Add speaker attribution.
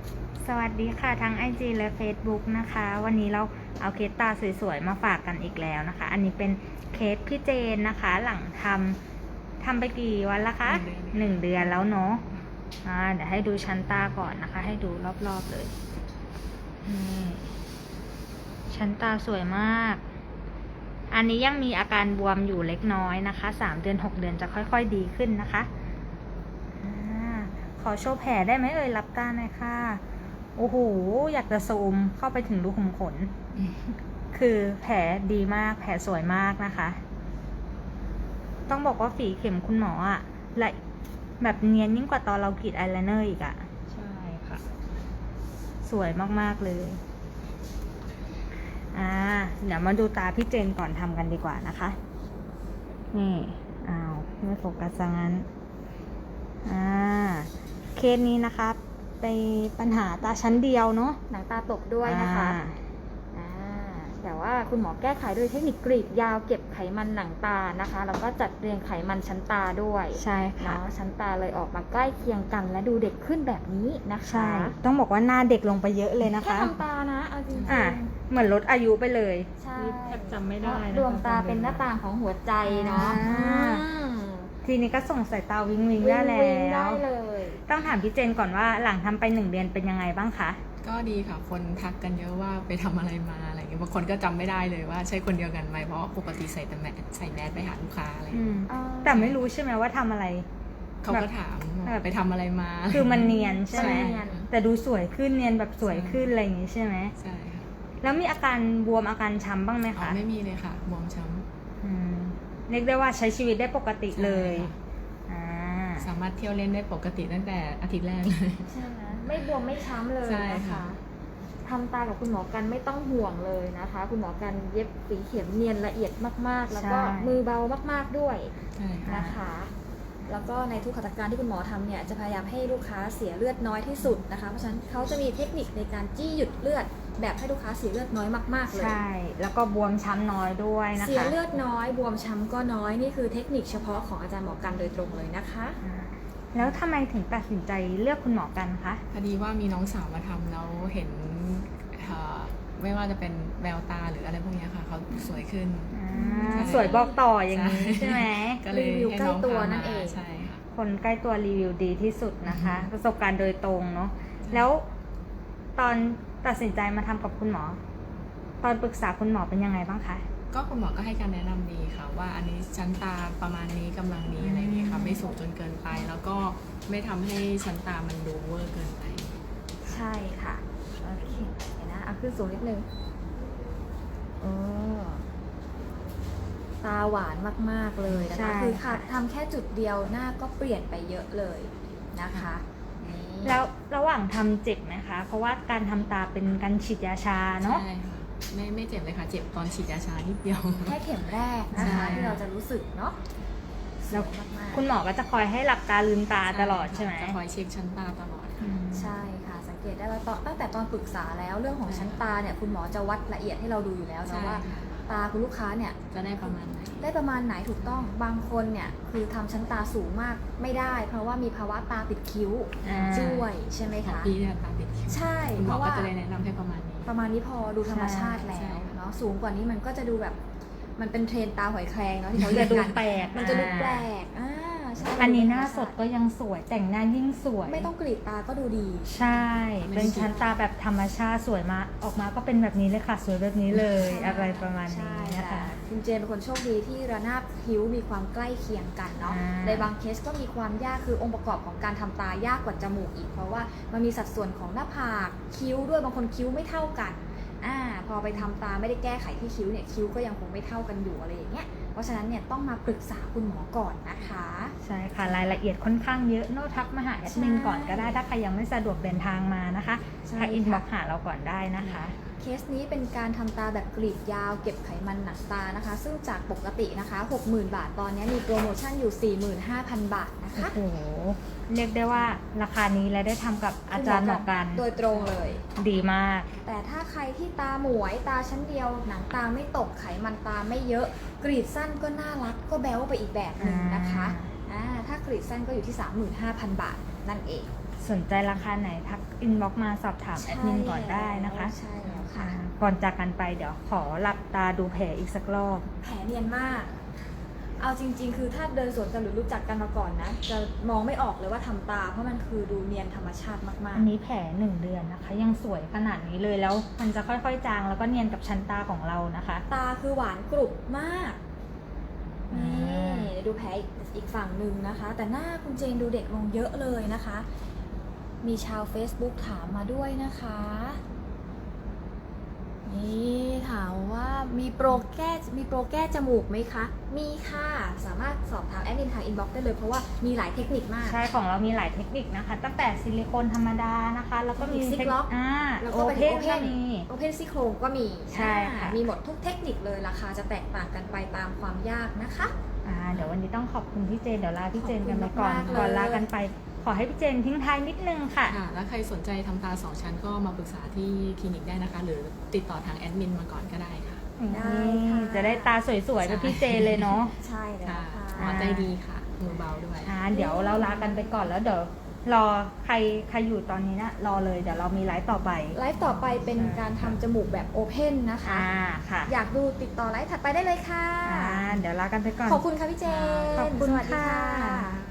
Speaker 1: สวัสดีค่ะทั้ง IG และ Facebook นะคะ วันนี้เราเอาเคสตาสวยๆมาฝากกันอีกแล้วนะคะ อันนี้เป็นเคสพี่เจนนะคะ หลังทำไปกี่วันละคะ1 เดือนแล้วเนาะเดี๋ยวให้ดูชั้นตาก่อนนะคะ ให้ดูรอบๆเลยนี่ชั้นตาสวยมาก อันนี้ยังมีอาการบวมอยู่เล็กน้อยนะคะ3 เดือน 6 เดือนจะค่อยๆดีขึ้นนะคะขอโชว์แผลได้ไหมเอ่ยรับตาหน่อยค่ะโอ้โหอยากจะซูมเข้าไปถึงรูขุมขน คือแผลดีมากแผลสวยมากนะคะ ต้องบอกว่าฝีเข็มคุณหมออะละแบบเนียนยิ่งกว่าตอนเรากรีดอายไลเนอร์อีกอะใช่ค่ะ สวยมากๆเลยเดี๋ยวมาดูตาพี่เจนก่อนทำกันดีกว่านะคะ นี่ไม่โฟกัสซะงั้นเคสนี้นะคะไปปัญหาตาชั้นเดียวเนาะ
Speaker 2: หนังตาตกด้วยนะคะแต่ว่าคุณหมอแก้ไขด้วยเทคนิคกรีดยาวเก็บไขมันหนังตานะคะแล้วก็จัดเรียงไขมันชั้นตาด้วย
Speaker 1: ใช่ค่ะ
Speaker 2: ชั้นตาเลยออกมาใกล้เคียงกันและดูเด็กขึ้นแบบนี้นะคะ
Speaker 1: ใช่ต้องบอกว่าหน้าเด็กลงไปเยอะเลยนะคะ
Speaker 2: แค่ทำตานะเอาจริงๆ
Speaker 1: เหมือนลดอายุไปเลย
Speaker 2: ใช่
Speaker 1: แทบจำไม่ได้นะ
Speaker 2: ดวงตาเป็นหน้าต่างของหัวใจเนาะ
Speaker 1: ทีนี้ก็ส่งสายตาวิงวิงได้แล้
Speaker 2: ได้
Speaker 1: ว
Speaker 2: เลย
Speaker 1: ต้องถามพี่เจนก่อนว่าหลังทำไป1 เดือนเป็นยังไงบ้างคะ
Speaker 3: ก็ดีค่ะ คนทักกันเยอะว่าไปทำอะไรมาอะไรอย่างเงี้ยบางคนก็จำไม่ได้เลยว่าใช่คนเดียวกันไหมเพราะปกติใส่แต่ใส่แมสไปหาลูกค้าอะไรอย่างเงี้ย
Speaker 1: แต่ไม่รู้ใช่ไหมว่าทำอะไร
Speaker 3: เขาก็ถามว่าไปทำอะไรมา
Speaker 1: คือมันเนียนใช่ไหม
Speaker 2: เนียน
Speaker 1: แต่ดูสวยขึ้นเนียนแบบสวยขึ้นอะไรอย่างงี้ใช่ไหม
Speaker 3: ใช่ค่ะ
Speaker 1: แล้วมีอาการบวมอาการช้ำบ้างไหม
Speaker 3: อ๋อ
Speaker 1: คะ
Speaker 3: ไม่มีเลยค่ะบวมช้
Speaker 1: เรียกได้ว่าใช้ชีวิตได้ปกติ
Speaker 3: ำ
Speaker 1: เลย
Speaker 3: ใช่ค่ะสามารถเที่ยวเล่นได้ปกติตั้งแต่อาทิตย์แรกเลย
Speaker 2: ใช่ไหมไม่บวมไม่ช้ำเลย
Speaker 3: ใช่
Speaker 2: นะ
Speaker 3: ค่ะ
Speaker 2: คะทำตากับคุณหมอกันไม่ต้องห่วงเลยนะคะ คุณหมอกันเย็บฝีเข็มเนียนละเอียดมากๆ แล้วก็มือเบามากๆด้วย
Speaker 3: ใช่ค่ะ
Speaker 2: นะคะ แล้วก็ในทุกขัตถการที่คุณหมอทำเนี่ยจะพยายามให้ลูกค้าเสียเลือดน้อยที่สุดนะคะ เพราะฉะนั้นเขาจะมีเทคนิคในการจี้หยุดเลือดแบบให้ลูกค้าเสียเลือดน้อยมากๆเลย
Speaker 1: ใช่ แล้วก็บวมช้ำน้อยด้วยนะคะ
Speaker 2: เสียเลือดน้อยบวมช้ำก็น้อยนี่คือเทคนิคเฉพาะของอาจารย์หมอกันโดยตรงเลยนะคะ
Speaker 1: แล้วทำไมถึงตัดสินใจเลือกคุณหมอกันคะ
Speaker 3: พอดีว่ามีน้องสาวมาทำแล้วเห็นไม่ว่าจะเป็นแววตาหรืออะไรพวกนี้ค่ะเขาสวยขึ้น
Speaker 1: สวยบอกต่ออย่างนี้ใช่ไหม
Speaker 3: ก็เลย
Speaker 2: รีวิว
Speaker 3: ให้
Speaker 2: ใกล้
Speaker 3: น้อง
Speaker 2: ตัว
Speaker 3: พา
Speaker 2: นั่
Speaker 3: มาน
Speaker 2: เอง
Speaker 3: ใช่ค่ะ
Speaker 1: คนใกล้ตัวรีวิวดีที่สุดนะคะ ประสบการณ์โดยตรงเนาะ แล้วตอนตัดสินใจมาทำกับคุณหมอ ตอนปรึกษาคุณหมอเป็นยังไงบ้างคะ
Speaker 3: ก็คุณหมอก็ให้การแนะนำดีค่ะ ว่าอันนี้ชั้นตาประมาณนี้กำลังนี้อะไรอย่างนี้ค่ะไม่สูงจนเกินไป แล้วก็ไม่ทำให้ชั้นตามันดูเวอร์เกินไป
Speaker 2: ใช่ค่ะโอเคเดี๋ยวนะเอาขึ้นสูงนิดนึงตาหวานมากๆเลยนะ
Speaker 1: ใช่
Speaker 2: คะคือ
Speaker 1: ค่ะ
Speaker 2: ทำแค่จุดเดียวหน้าก็เปลี่ยนไปเยอะเลยนะคะนี่
Speaker 1: แล้วระหว่างทำเจ็บไหมคะ เพราะว่าการทำตาเป็นการฉีดยาชาเนาะ
Speaker 3: ใช่ค่ะไม่เจ็บเลยค่ะ เจ็บตอนฉีดยาชานิดเดียว
Speaker 2: แค่เข็มแรกนะคะ
Speaker 3: ใช่
Speaker 2: ที่เราจะรู้สึกเนาะ
Speaker 1: แล้ว
Speaker 2: สวยมากๆ
Speaker 1: คุณหมอก็จะคอยให้หลับตาลืมตาตลอดใช่ไหม
Speaker 3: จะคอยเช็คชั้นตาตลอดค่ะ
Speaker 2: ใช่ค่ะสังเกตได้ว่าตั้งแต่ตอนปรึกษาแล้วเรื่องของชั้นตาเนี่ยคุณหมอจะวัดละเอียดให้เราดูอยู่แล้ว
Speaker 3: ใช่
Speaker 2: นะว่า
Speaker 3: ค่ะ
Speaker 2: ตาคุณลูกค้าเนี่ย
Speaker 3: จะได้ประมาณไหน
Speaker 2: ได้ประมาณไหนถูกต้องบางคนเนี่ยคือทำชั้นตาสูงมากไม่ได้ เพราะว่ามีภาวะตาปิดคิ้วด้วยใช่ไหม
Speaker 3: ของ
Speaker 2: คะ
Speaker 3: พี่เนี่ยตาติดคิ้ว
Speaker 2: ใช่
Speaker 3: คุณห
Speaker 2: เพ
Speaker 3: มอ
Speaker 2: ราะ
Speaker 3: ก็
Speaker 2: ว่า
Speaker 3: จะเลยแนะนำให้ประมาณนี้
Speaker 2: ประมาณนี้พอดูธรรมชาติแล้
Speaker 3: ใช่
Speaker 2: ว
Speaker 3: ค่ะ
Speaker 2: เนาะสูงกว่านี้มันก็จะดูแบบมันเป็นเทรนตาหอยแครงเนาะที่เขา
Speaker 1: จะ
Speaker 2: เรียก
Speaker 1: ดู
Speaker 2: กัน
Speaker 1: แปลก
Speaker 2: มันจะดูแปลกใช่
Speaker 1: อันนี้หน้าสดก็ยังสวยแต่งหน้ายิ่งสวย
Speaker 2: ไม่ต้องกรีดตาก็ดูดี
Speaker 1: ใช่ เป็นชั้นตาแบบธรรมชาติสวยมาออกมาก็เป็นแบบนี้เลยค่ะ สวยแบบนี้เลย อะไรประมาณนี้
Speaker 2: ใช่
Speaker 1: นะคะ
Speaker 2: คุณเจนเป็นคนโชคดีที่ระนาบคิ้วมีความใกล้เคียงกันเนาะ ในบางเคสก็มีความยากคือองค์ประกอบของการทำตายากกว่าจมูกอีก เพราะว่ามันมีสัดส่วนของหน้าผากคิ้วด้วยบางคนคิ้วไม่เท่ากันพอไปทำตาไม่ได้แก้ไขที่คิ้วเนี่ยคิ้วก็ยังคงไม่เท่ากันอยู่อะไรอย่างเงี้ยเพราะฉะนั้นเนี่ยต้องมาปรึกษาคุณหมอก่อนนะคะ
Speaker 1: ใช่ค่ะ รายละเอียดค่อนข้างเยอะโน้ตทักมาหาแอดมินก่อนก็ได้ถ้าใครยังไม่สะดวกเดินทางมานะคะ
Speaker 2: ใช่
Speaker 1: ทักอิน
Speaker 2: ค่ะ
Speaker 1: บ็อกหาเราก่อนได้นะคะ
Speaker 2: เคสนี้เป็นการทำตาแบบกรีดยาวเก็บไขมันหนังตานะคะ ซึ่งจากปกตินะคะ 60,000 บาทตอนนี้มีโปรโมชั่นอยู่ 45,000 บาทนะคะ
Speaker 1: โอ้โห เรียกได้ว่าราคานี้และได้ทำกับอาจารย์หมอกัน
Speaker 2: โดยตรงเลย
Speaker 1: ดีมาก
Speaker 2: แต่ถ้าใครที่ตาหมวยตาชั้นเดียวหนังตาไม่ตกไขมันตาไม่เยอะ กรีดสั้นก็น่ารักก็แบ๊วไปอีกแบบหนึ่งนะคะถ้ากรีดสั้นก็อยู่ที่ 35,000 บาทนั่นเอง
Speaker 1: สนใจราคาไหนทักอินบ็อกมาสอบถามแอดมินก่อนได้นะคะ
Speaker 2: ใช่แล้วค่ะ
Speaker 1: ก่อนจากกันไปเดี๋ยวขอหลับตาดูแผลอีกสักรอบ
Speaker 2: แผลเนียนมาก เอาจริง ๆ คือถ้าเดินสวนกันหรือรู้จักกันมาก่อนนะ จะมองไม่ออกเลยว่าทำตา เพราะมันคือดูเนียนธรรมชาติมาก
Speaker 1: อันนี้แผล1 เดือนนะคะ ยังสวยขนาดนี้เลยแล้วมันจะค่อยๆจางแล้วก็เนียนกับชั้นตาของเรานะคะ
Speaker 2: ๆ ตาคือหวานกรุบมาก
Speaker 1: อ่
Speaker 2: นี่
Speaker 1: า
Speaker 2: เดี๋ยวดูแผลอีกฝั่งหนึ่งนะคะ แต่หน้าคุณเจนดูเด็กลงเยอะเลยนะคะ มีชาว Facebook ถามมาด้วยนะคะ นี่ถามว่ามีโปรแก้จมูกไหมคะ มีค่ะ สามารถสอบถามแอดมินทางอินบ็อกซ์ได้เลยเพราะว่ามีหลายเทคนิคมาก
Speaker 1: ใช่ของเรามีหลายเทคนิคนะคะ ตั้งแต่ซิลิโคนธรรมดานะคะ แล้วก็มี
Speaker 2: ซิกล็อก แล้ว
Speaker 1: โอ
Speaker 2: ก็ไป
Speaker 1: เพ
Speaker 2: ถึง
Speaker 1: น
Speaker 2: โอเพ
Speaker 1: ก็
Speaker 2: น
Speaker 1: มี
Speaker 2: โอเพนซี่โครงก็มี
Speaker 1: ใช่ค่ะ
Speaker 2: มีหมดทุกเทคนิคเลยราคาจะแตกต่างกันไปตามความยากนะคะ
Speaker 1: เดี๋ยววันนี้ต้องขอบคุณพี่เจนเดี๋ยวลาพี่เจนกันไปก่อน
Speaker 2: ขอบคุณมากๆเลย
Speaker 1: ก่อนลากันไป ขอให้พี่เจนทิ้งท้ายนิดนึงค่ะ
Speaker 3: ค่ะ แล้วใครสนใจทำตา 2 ชั้นก็มาปรึกษาที่คลินิกได้นะคะ หรือติดต่อทางแอดมินมาก่อนก็ได้ค่ะ
Speaker 2: ได้ค่ะ
Speaker 1: จะได้ตาสวยๆแบบพี่เจนเลยเนาะ
Speaker 2: ใช่แล้ว
Speaker 3: ค่ะ
Speaker 2: ค่ะ
Speaker 3: หมอใจดีค่ะมือเบาด้วย
Speaker 1: เดี๋ยวเราลากันไปก่อนแล้วเดี๋ยวรอใครอยู่ตอนนี้นะรอเลยเดี๋ยวเรามีไลฟ์ต่อไป
Speaker 2: ไลฟ์ต่อไปเป็นการทำจมูกแบบโอเพนนะคะ
Speaker 1: ค่ะ
Speaker 2: อยากดูติดต่อไลฟ์ถัดไปได้เลยค่ะ
Speaker 1: เดี๋ยวลากันไปก่อน
Speaker 2: ขอบคุณค่ะพี่เจน
Speaker 1: ขอบคุณ
Speaker 2: สวัสดี
Speaker 1: ค่ะ
Speaker 2: ค่ะ